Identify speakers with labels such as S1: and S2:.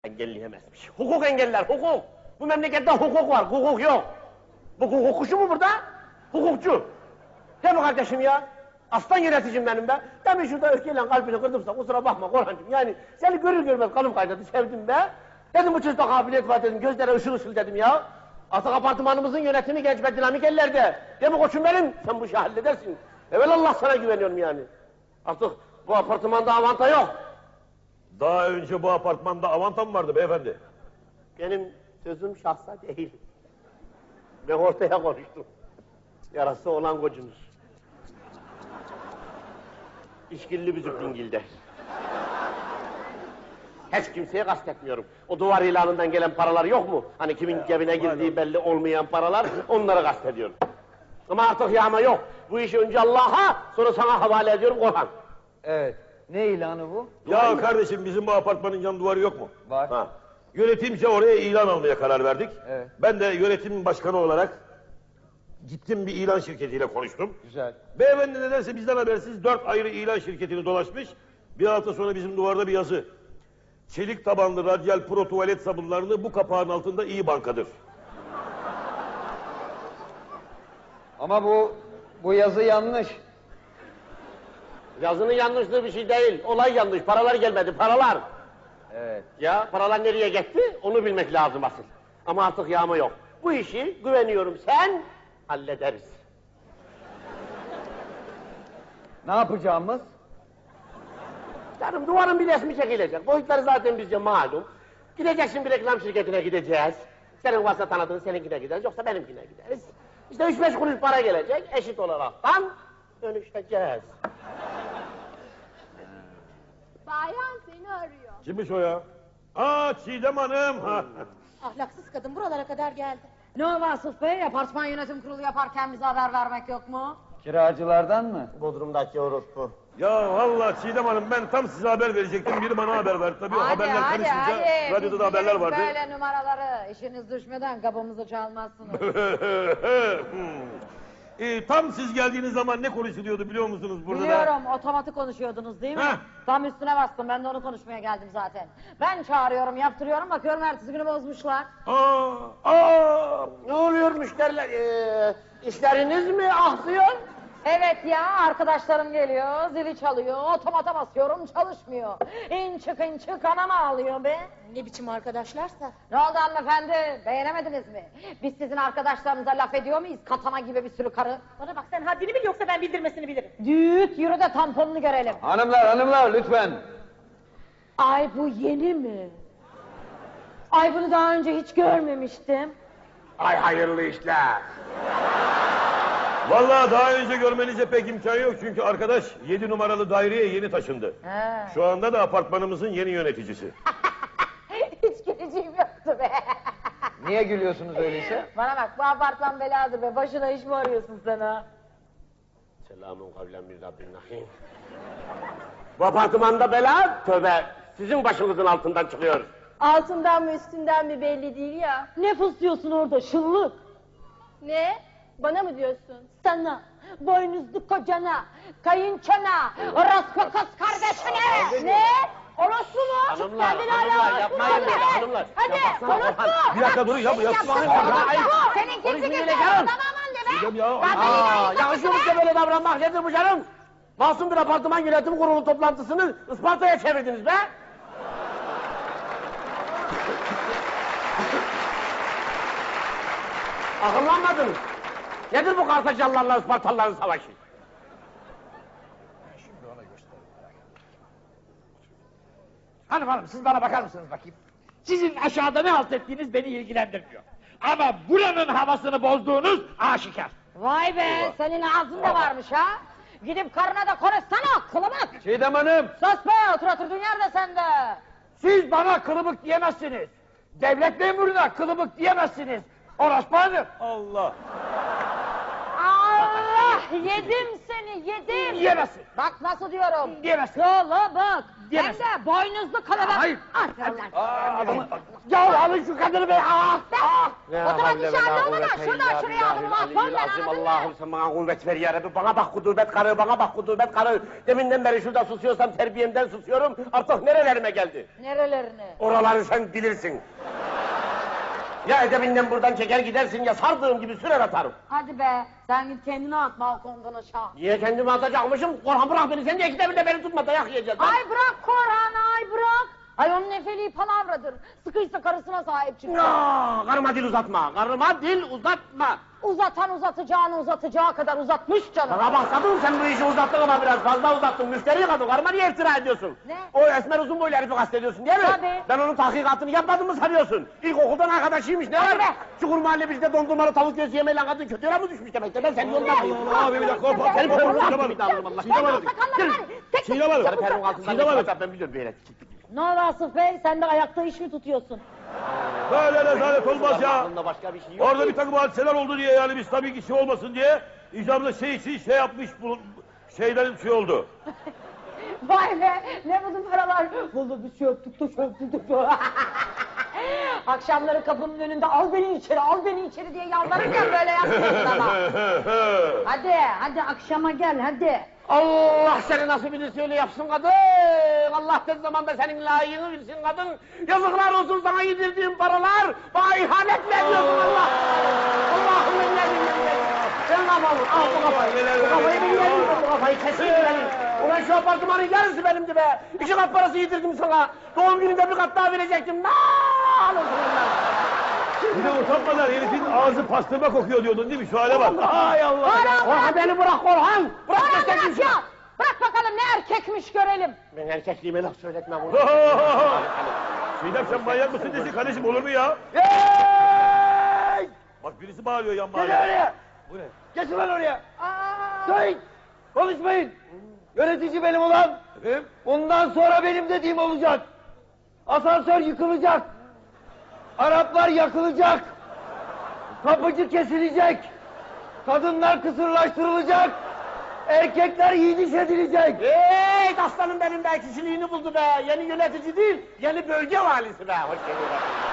S1: Engelleyemezmiş. Hukuk engeller, hukuk. Bu memlekette hukuk var, hukuk yok. Bu hukukçu mu burada? Hukukçu. Değil mi kardeşim ya? Aslan yöneticim benim be. Demin şurada öfkeyle kalbini kırdımsa kusura bakma Korhancığım. Yani seni görür görmez kanım kaynadı, sevdim be. Dedim bu çocukta kabiliyet var dedim, gözlere ışıl ışıl dedim ya. Artık apartmanımızın yönetimi genç ve dinamik ellerde. Değil mi koçum benim? Sen bu işi halledersin. Evelallah sana güveniyorum yani. Artık bu apartmanda avanta yok.
S2: Daha önce bu apartmanda avanta mı vardı beyefendi?
S1: Benim sözüm şahsa değil. Ben ortaya konuştum. Yarası olan kocunuz. İşkilli büzük dingilde. Hiç kimseye kastetmiyorum. O duvar ilanından gelen paralar yok mu? Hani kimin cebine girdiği belli olmayan paralar, onları kastediyorum. Ama artık yağma yok. Bu işi önce Allah'a, sonra sana havale ediyorum Korhan.
S3: Evet. Ne ilanı bu?
S2: Ya kardeşim bizim bu apartmanın yan duvarı yok mu?
S3: Var.
S2: Ha. Yönetimce oraya ilan almaya karar verdik.
S3: Evet.
S2: Ben de yönetim başkanı olarak gittim bir ilan şirketiyle konuştum.
S3: Güzel.
S2: Beyefendi nedense bizden habersiz 4 ayrı ilan şirketini dolaşmış. Bir hafta sonra bizim duvarda bir yazı. Çelik tabanlı radyal pro tuvalet sabunlarını bu kapağın altında iyi bankadır.
S3: Ama bu yazı yanlış.
S1: Yazının yanlışlığı bir şey değil. Olay yanlış. Paralar gelmedi. Paralar.
S3: Evet.
S1: Ya paralar nereye gitti? Onu bilmek lazım asıl. Ama artık yağma yok. Bu işi güveniyorum sen hallederiz.
S3: Ne yapacağımız?
S1: Canım duvarın bir resmi çekilecek. Boyutları zaten bizce malum. Gideceksin bir reklam şirketine gideceğiz. Senin varsa tanıdığın seninkine gideriz. Yoksa benimkine gideriz. İşte 3-5 kuruş para gelecek. Eşit olaraktan dönüşeceğiz.
S4: Bayan seni arıyor.
S2: Kimmiş o ya? Aa Çiğdem Hanım. Ha.
S4: Ahlaksız kadın buralara kadar geldi.
S5: Ne o Vasıf Bey? Apartman yönetim kurulu yaparken bize haber vermek yok mu?
S3: Kiracılardan mı?
S1: Bodrum'daki orospu.
S2: Ya vallahi Çiğdem Hanım ben tam size haber verecektim. Biri bana haber verdi. Tabii o haberler karışınca radyoda da haberler vardı.
S5: Böyle numaraları işiniz düşmeden kapımızı çalmazsınız.
S2: Tam siz geldiğiniz zaman ne konuşuluyordu biliyor musunuz burada?
S5: Biliyorum, otomatik konuşuyordunuz değil mi?
S2: Heh.
S5: Tam üstüne bastım, ben de onu konuşmaya geldim zaten. Ben çağırıyorum, yaptırıyorum, bakıyorum ertesi günü bozmuşlar.
S1: Ne oluyor müşteriler? İşleriniz mi aksıyor?
S5: Evet ya, arkadaşlarım geliyor, zili çalıyor, otomata basıyorum, çalışmıyor. İn çık anam ağlıyor be.
S4: Ne biçim arkadaşlarsa.
S5: Ne oldu hanımefendi, beğenemediniz mi? Biz sizin arkadaşlarınıza laf ediyor muyuz? Katana gibi bir sürü karı.
S4: Bana bak sen haddini bil yoksa ben bildirmesini bilirim.
S5: Düğüt, yürü de tamponunu görelim.
S3: Hanımlar lütfen.
S5: Ay bu yeni mi? Ay bunu daha önce hiç görmemiştim.
S1: Ay hayırlı işler.
S2: Vallahi daha önce görmenize pek imkan yok çünkü arkadaş 7 numaralı daireye yeni taşındı.
S5: He.
S2: Şu anda da apartmanımızın yeni yöneticisi.
S5: Hiç güleceğim yoktu be.
S3: Niye gülüyorsunuz öyleyse?
S5: Bana bak bu apartman beladır be. Başına iş mi arıyorsun sen ha?
S1: Selamun kavlen min Rabbin rahim. Bu apartmanda bela, tövbe, sizin başınızın altından çıkıyor.
S4: Altından mı üstünden mi belli değil ya.
S5: Ne fısıyorsun orada şıllık?
S4: Ne? Bana mı diyorsun?
S5: Sana, boynuzlu kocana, kayınçana, orospu kız kardeşine. Ne? Orospu mu?
S1: Hanımlar,
S5: Kendin
S1: hanımlar,
S5: hala
S1: yapmayın
S5: orospu
S1: böyle,
S5: mu?
S1: hanımlar.
S5: Hadi,
S1: Ya baksana
S5: orospu.
S1: Orhan,
S2: bir dakika durun ya, bu yapmayın.
S5: Orospu. Senin
S1: Konuşmayın
S5: kimse
S1: öyle
S5: kimse.
S1: canım.
S5: Tamamen de be.
S2: Çiğdem ya.
S1: Yakışıyor mu size böyle davranmak, nedir bu canım? Masum bir apartman yönetim kurulu toplantısını Isparta'ya çevirdiniz be! Akıllanmadınız. Nedir bu Kartacalılarla Ispartalıların savaşı?
S6: Hanım siz bana bakar mısınız bakayım? Sizin aşağıda ne halt ettiğiniz beni ilgilendirmiyor. Ama buranın havasını bozduğunuz aşikar.
S5: Vay be, senin ağzın da varmış ha. Gidip karına da konuşsana, kılıbık.
S3: Çiğdem Hanım.
S5: Sus be, oturduğun yerde sen de.
S6: Siz bana kılıbık diyemezsiniz. Devlet memuruna kılıbık diyemezsiniz. Orospu Hanım.
S2: Allah.
S5: Allah, yedim seni, yedim.
S6: Diyemezsin.
S5: Bak nasıl diyorum.
S6: Diyemezsin.
S5: Kılıbık. Hem
S6: Diyemezsin.
S5: de boynuzlu kılıbık.
S6: Hayır.
S5: Aferin lan.
S6: Ya alın şu kadını be.
S5: Otomatik şarjı olmadan şuradan şuraya adımımı atmam ben anladın mı?
S1: Allah'ım sen bana kuvvet ver ya Rabbi. Bana bak kudubet karı, bana bak kudubet karı. Deminden beri şurada susuyorsam terbiyemden susuyorum. Artık nerelerime geldi?
S5: Nerelerine?
S1: Oraları sen bilirsin. Ya edebinden buradan çeker gidersin ya sardığım gibi sürer atarım.
S5: Hadi be, sen git kendini at balkondan aşağı.
S1: Niye kendimi atacakmışım? Korhan bırak beni, sen de ikide bir de beni tutma, dayak yiyeceğiz. lan.
S5: Ay bırak Korhan, ay bırak. Ay onun nefeli palavradır. Sıkıysa karısına sahip çıksın.
S1: Ya, karıma dil uzatma, karıma dil uzatma.
S5: Uzatan uzatacağını uzatacağı kadar uzatmış canım.
S1: Bana bak kadın, sen bu işi uzattın ama biraz fazla uzattın. Müşteri kadın, karıma niye iftira ediyorsun?
S5: Ne?
S1: O esmer uzun boylu herifi kastediyorsun değil mi?
S5: Tabii.
S1: Ben onun tahkikatını yapmadım mı sanıyorsun? İlkokuldan arkadaşıymış, ne var?
S5: be.
S1: Çukur mahalle bizde dondurmalı tavuk göğsü yemeyle kadın kötü yola mı düşmüş demek ki? Ben senin yolundan mıyım?
S2: Abi bir dakika, hop hop
S1: Seni
S2: hop
S1: perunun
S2: hop,
S1: altında bir davranırım Allah.
S2: Çiğdem Hanım.
S5: Sakallar var. Tek
S2: Çiğdem Hanım.
S1: Sarı perunun altından
S2: Çiğdem Hanım.
S1: geçmez, ben biliyorum böyle.
S5: Ne oldu Asif Bey? Sen de ayakta iş mi tutuyorsun?
S2: Böyle rezalet olmaz ya.
S1: Aklında başka bir şey yok.
S2: Orada bir takım hadiseler oldu diye yani biz tabii ki şey olmasın diye icabında şey için şey yapmış bu şeylerin şey oldu.
S5: Vay be, ne buldun paralar? Vallahi bir şey öptük de çöptük de. Akşamları kapının önünde al beni içeri diye yalvarırken böyle yapmıyorsun ama. Hadi akşama gel hadi.
S1: Allah seni nasibini söyle yapsın kadın. Allah tez zamanda senin layığını bilsin kadın. Yazıklar olsun sana yedirdiğim paralar. Bana ihanet veriyorsun Allah. Allah'ım ben ne bileyim. Sen kafamı al bu kafayı. Bu kafayı ben yedim, bu kafayı kesin benim. Ulan şu apartmanın yarısı benimdi be. 2 kat parası yedirdim sana. Doğum gününde bir kat daha verecektim. Naaal olsun onlar.
S2: Bir de utanmadan herifin ağzı pastırma kokuyor diyordun değil mi? Şu hale bak. Hay Allah.
S1: Korhan beni bırak Korhan. Bırak
S5: Bırak
S1: göstereyim
S5: ya!
S1: sana.
S5: Bırak bakalım ne erkekmiş görelim.
S1: Ben erkekliğime laf söyletmem bunu.
S2: Çiğdem sen manyak mısın desin kardeşim olur mu ya?
S1: Hey!
S2: Bak birisi bağırıyor yan
S1: Gel
S2: mahallede.
S1: oraya.
S2: Bu ne?
S1: Geçin lan oraya.
S5: Aa,
S1: Söyleyin. Konuşmayın. Yönetici benim ulan.
S2: Efendim?
S1: Bundan sonra benim dediğim olacak. Asansör yıkılacak. Araplar yakılacak. Kapıcı kesilecek. Kadınlar kısırlaştırılacak. Erkekler yiğidiş edilecek. Hey aslanım benim be, kişiliğini buldu be. Yeni yönetici değil, yeni bölge valisi be. Hoş geldin.